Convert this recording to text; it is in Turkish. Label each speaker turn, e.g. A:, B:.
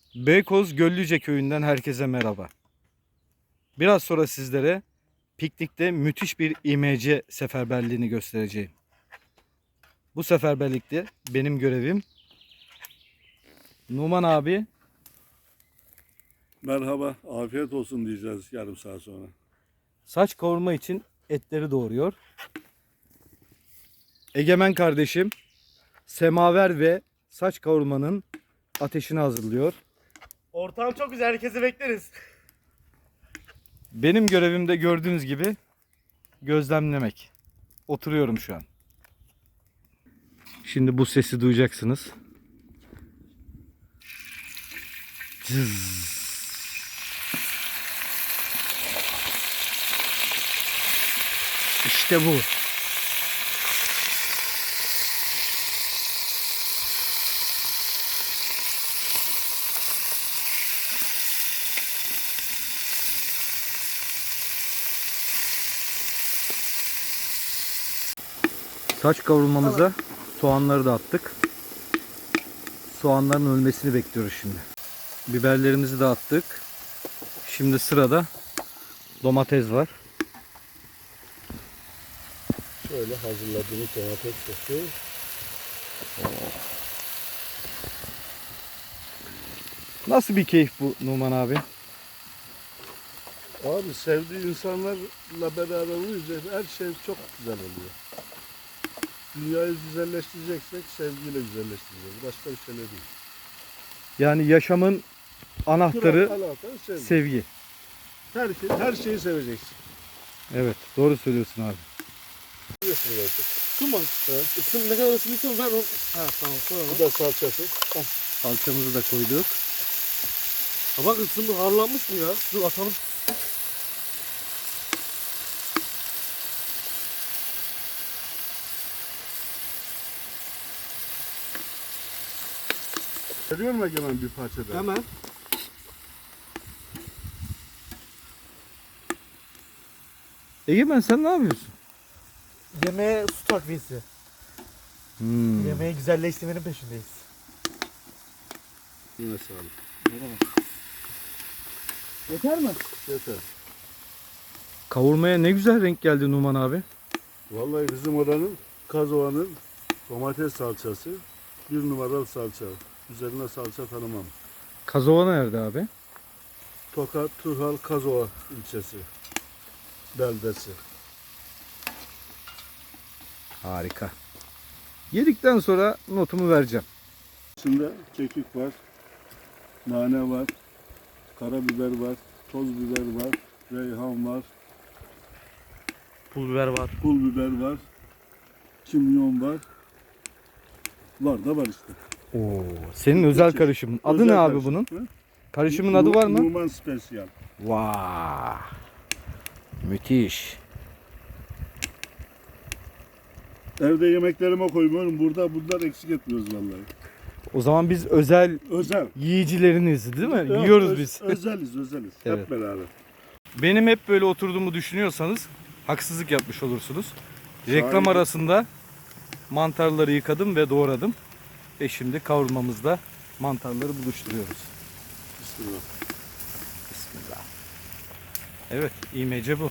A: Beykoz Göllüce köyünden herkese merhaba. Biraz sonra sizlere piknikte müthiş bir IMC seferberliğini göstereceğim. Bu seferberlikte benim görevim Numan abi,
B: Merhaba, afiyet olsun diyeceğiz yarım saat sonra.
A: saç kavurma için etleri doğuruyor. Egemen kardeşim semaver ve saç kavurmanın ateşini hazırlıyor.
C: Ortam çok güzel, herkesi bekleriz.
A: Benim görevim de gördüğünüz gibi gözlemlemek. Oturuyorum şu an. Şimdi bu sesi duyacaksınız. Cız. İşte bu. Saç kavurmamıza soğanları da attık. Soğanların ölmesini bekliyoruz şimdi. Biberlerimizi de attık. Şimdi sırada domates var.
B: Şöyle hazırladığımız domates sosu.
A: Nasıl bir keyif bu Numan abi?
B: Abi sevdiği insanlarla beraber olunca her şey çok güzel oluyor. Dünyayı güzelleştireceksek sevgiyle güzelleştireceğiz. Başka bir şey değil.
A: Yani yaşamın anahtarı
B: Kral, alakalı sevgi.
A: sevgi.
B: Her şeyi seveceksin.
A: Evet, doğru söylüyorsun abi.
B: Biliyorsun zaten.
C: Isın bak. Isın ne kadar ısınırsa ben o... Ha tamam, sonra.
B: Bu da salçası.
A: Salçamızı da koyduk.
C: Ha bak ısındı, harlanmış mı ya? Dur atalım.
B: Veriyor mu Egemen bir parça daha?
C: Hemen.
A: Egemen sen ne yapıyorsun?
C: Yemeğe su takviyesi. Yemeği güzelleştirmenin peşindeyiz.
B: Yine sağlık.
C: Yeter mi?
B: Yeter.
A: Kavurmaya ne güzel renk geldi Numan abi.
B: Vallahi bizim oranın Kazova'nın domates salçası bir numaralı salça. Üzerine salça tanımam.
A: Kazova nerede abi?
B: Tokat, Turhal, Kazova ilçesi. Beldesi.
A: Harika. Yedikten sonra notumu vereceğim.
B: İçinde kekik var, nane var, karabiber var, toz biber var, reyhan var,
C: Pul biber var.
B: pul biber var, kimyon var. Var da var işte.
A: Oo, senin özel karışımın. Adı ne abi bunun?
B: Hı?
A: Karışımın adı var mı?
B: Numan Special.
A: Vay. Müthiş.
B: Evde yemeklerime koymuyorum. Burada bunlar eksik etmiyoruz vallahi.
A: O zaman biz özel
B: Özel.
A: yiyicileriniz değil mi?
B: Evet,
A: Yiyoruz biz.
B: Özeliz.
A: Evet.
B: Hep beraber.
A: Benim hep böyle oturduğumu düşünüyorsanız haksızlık yapmış olursunuz. Reklam
B: Şahit.
A: arasında mantarları yıkadım ve doğradım. Ve şimdi kavurmamızda mantarları buluşturuyoruz.
B: Bismillah.
A: Bismillah. Evet, IMC bu.